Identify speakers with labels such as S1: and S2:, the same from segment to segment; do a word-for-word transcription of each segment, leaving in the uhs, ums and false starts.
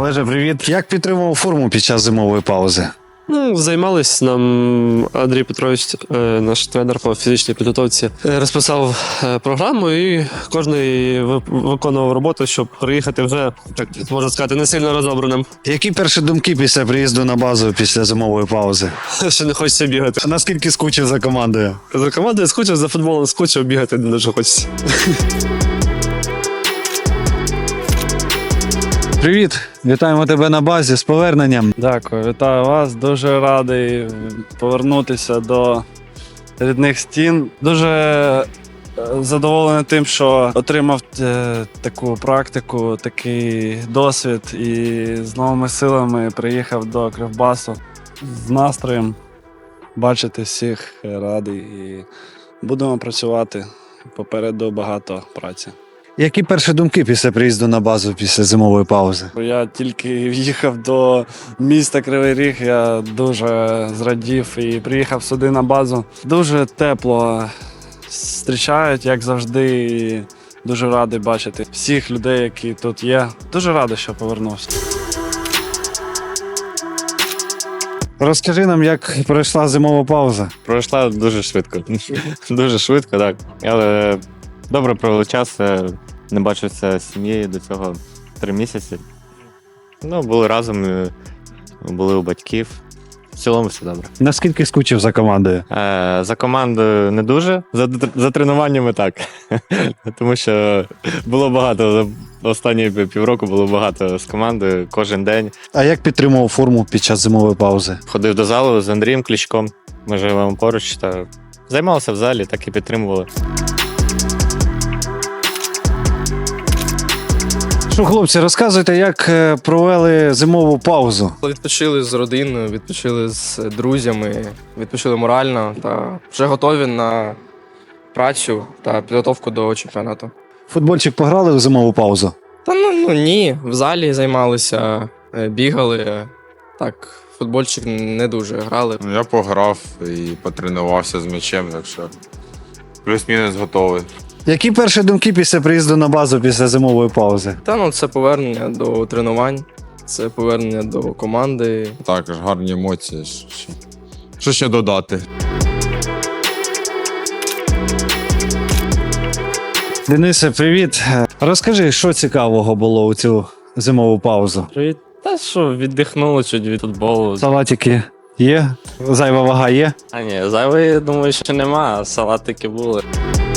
S1: Олеже, привіт. Як підтримував форму під час зимової паузи?
S2: Ну, займались нам Андрій Петрович, е, наш тренер по фізичній підготовці, е, розписав е, програму і кожен ви- виконував роботу, щоб приїхати вже, так можна сказати, не сильно розобраним.
S1: Які перші думки після приїзду на базу після зимової паузи?
S2: Ще не хочеться бігати.
S1: А наскільки скучив за командою?
S2: За командою скучив, за футболом скучив, бігати не дуже хочеться.
S1: Привіт, вітаємо тебе на базі з поверненням.
S3: Дякую, вітаю вас. Дуже радий повернутися до рідних стін. Дуже е, задоволений тим, що отримав е, таку практику, такий досвід і з новими силами приїхав до Кривбасу з настроєм бачити всіх, радий і будемо працювати. Попереду багато праці.
S1: Які перші думки після приїзду на базу після зимової паузи?
S3: Я тільки в'їхав до міста Кривий Ріг, я дуже зрадів і приїхав сюди на базу. Дуже тепло зустрічають, як завжди. І дуже радий бачити всіх людей, які тут є. Дуже радий, що повернувся.
S1: Розкажи нам, як пройшла зимова пауза.
S4: Пройшла дуже швидко. Дуже швидко, так. Але добре провели час. Не бачився з сім'єю до цього три місяці. Ну, були разом, і були у батьків. В цілому все добре.
S1: Наскільки скучив за командою?
S4: Е, за командою не дуже, за, за тренуваннями так. Тому що було багато, за останні півроку було багато з командою кожен день.
S1: А як підтримував форму під час зимової паузи?
S4: Ходив до залу з Андрієм Кличком. Ми живемо поруч та займалися в залі, так і підтримували.
S1: Що, хлопці, розказуйте, як е, провели зимову паузу?
S5: Відпочили з родиною, відпочили з друзями, відпочили морально та вже готові на працю та підготовку до чемпіонату.
S1: Футбольчик пограли у зимову паузу?
S5: Та ну, ну ні, в залі займалися, е, бігали. Так, футбольчик не дуже грали.
S6: Ну, я пограв і потренувався з м'ячем, так що плюс-мінус готовий.
S1: Які перші думки після приїзду на базу після зимової паузи?
S5: Та ну це повернення до тренувань, це повернення до команди.
S6: Також гарні емоції. Що, що ще додати?
S1: Денисе, привіт. Розкажи, що цікавого було у цю зимову паузу?
S2: Привіт. Та що, віддихнули чуть від футболу.
S1: Салатики є? Зайва вага є?
S2: А ні, зайвої, думаю, що нема, а салатики були.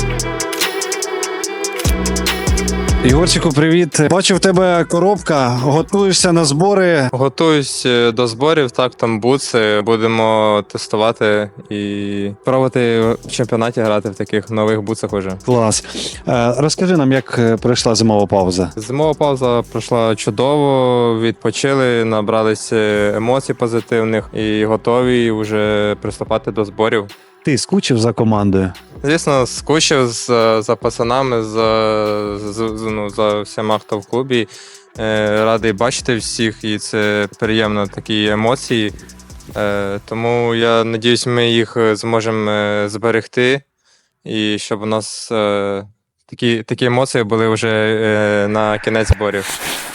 S1: Ігорчику, привіт. Бачу, в тебе коробка, готуєшся на збори.
S7: Готуюсь до зборів, так, там бутси. Будемо тестувати і пробувати в чемпіонаті грати в таких нових бутсах уже.
S1: Клас. Е, Розкажи нам, як е, пройшла зимова пауза.
S7: Зимова пауза пройшла чудово, відпочили, набралися емоцій позитивних і готові вже приступати до зборів.
S1: Ти скучив за командою?
S7: Звісно, скучив з, за пацанами, за, за, ну, за всіма, хто в клубі. Е, радий бачити всіх, і це приємно, такі емоції. Е, тому я сподіваюся, ми їх зможемо е, зберегти, і щоб у нас е, такі, такі емоції були вже е, на кінець зборів.